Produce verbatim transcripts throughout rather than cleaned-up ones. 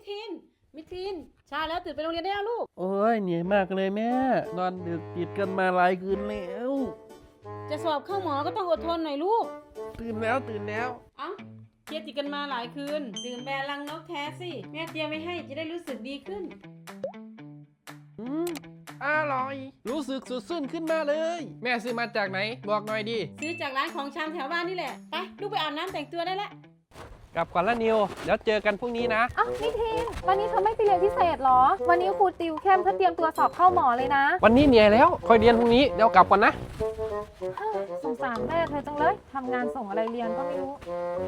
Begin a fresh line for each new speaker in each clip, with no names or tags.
ทินมิทินเช้าแล้วตื่นไปโรงเรียนได้แล้วลูก
โอ้ยเหนื่อยมากเลยแม่นอนดึกติดกันมาหลายคืนแล้ว
จะสอบเข้าหมอก็ต้องอดทนหน่อยลูก
ตื่นแล้วตื่นแล้ว
เอ้าเครียดติดกันมาหลายคืนดื่มแบรนด์รังนกแท้สิแม่เตรียมไว้ให้จะได้รู้สึกดีขึ้น
อืมอร่อยรู้สึกสดชื่นขึ้นมาเลยแม่ซื้อมาจากไหนบอกหน่อยดิ
ซื้อจากร้านของชำแถวบ้านนี่แหละไปลูกไปอาบน้ำแต่งตัวได้แล้ว
กลับก่อนละนิวแล้วเจอกันพรุ่งนี้นะ
อ้าวนิทินวันนี้เธอไม่ไปเรียนพิเศษหรอวันนี้ครูติวเข้มเพื่อเตรียมตัวสอบเข้าหมอเลยนะ
วันนี้เหนื่อยแล้วค่อยเรียนพรุ่งนี้เดี๋ยวกลับก่อนนะ
สงสารแม่เธอจังเลยทำงานส่งอะไรเรียนก็ไม่รู้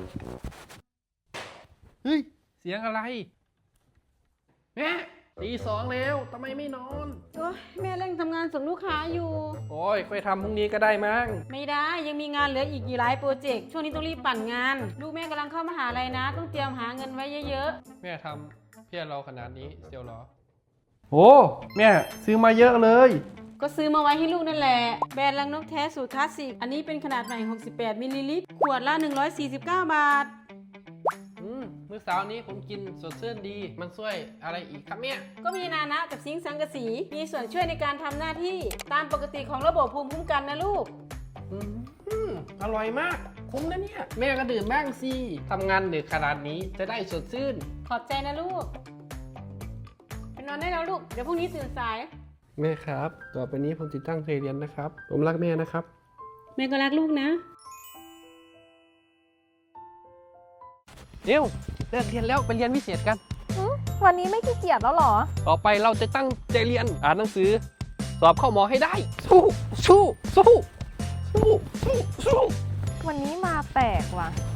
เฮ้ยเสียงอะไรแม่ตีสองแล้วทำไมไม่นอน
โอ้ยแม่เร่งทำงานส่งลูกค้าอยู่
โอ้ยค่อยทำพรุ่งนี้ก็ได้มั้ง
ไม่ได้ยังมีงานเหลืออีกกี่หลายโปรเจกต์ช่วงนี้ต้องรีบปั่นงานลูกแม่กำลังเข้ามหาลัยนะต้องเตรียมหาเงินไว้เยอะ
ๆแม่ทำเพื่อเราขนาดนี้เชียวเหรอโอ้แม่ซื้อมาเยอะเลย
ก็ซื้อมาไว้ให้ลูกนั่นแหละแบรนด์รังนกแท้สูตรคลาสสิกอันนี้เป็นขนาดใหม่หกสิบแปดมิลลิลิตรขวดละหนึ่งร้อยสี่สิบเก้าบาท
อืมเมื่อเช้านี้ผมกินสดชื่นดีมันช่วยอะไรอีกครับเนี่ย
ก็มีนานะกับซิงค์สังกะสีมีส่วนช่วยในการทำหน้าที่ตามปกติของระบบภูมิคุ้มกันนะลูก
อืมอร่อยมากคุ้มนะเนี่ยแม่ก็ดื่มบ้างสิทำงานดึกขนาดนี้จะได้สดชื่น
ขอบใจนะลูกไปนอนได้แล้วลูกเดี๋ยวพรุ่งนี้ตื่นสาย
แม่ครับต่อไปนี้ผมจะตั้งใจเรียนนะครับผมรักแม่นะครับ
แม่ก็รักลูกนะ
เดี๋ยวเลิกเรียนแล้วไปเรียนพิเศษกัน
วันนี้ไม่ขี้เกียจแล้วหรอ
ต่อไปเราจะตั้งใจเรียนอ่านหนังสือสอบเข้าหมอให้ได้สู้สู้สู้สู้สู้สู้
วันนี้มาแปลกว่ะ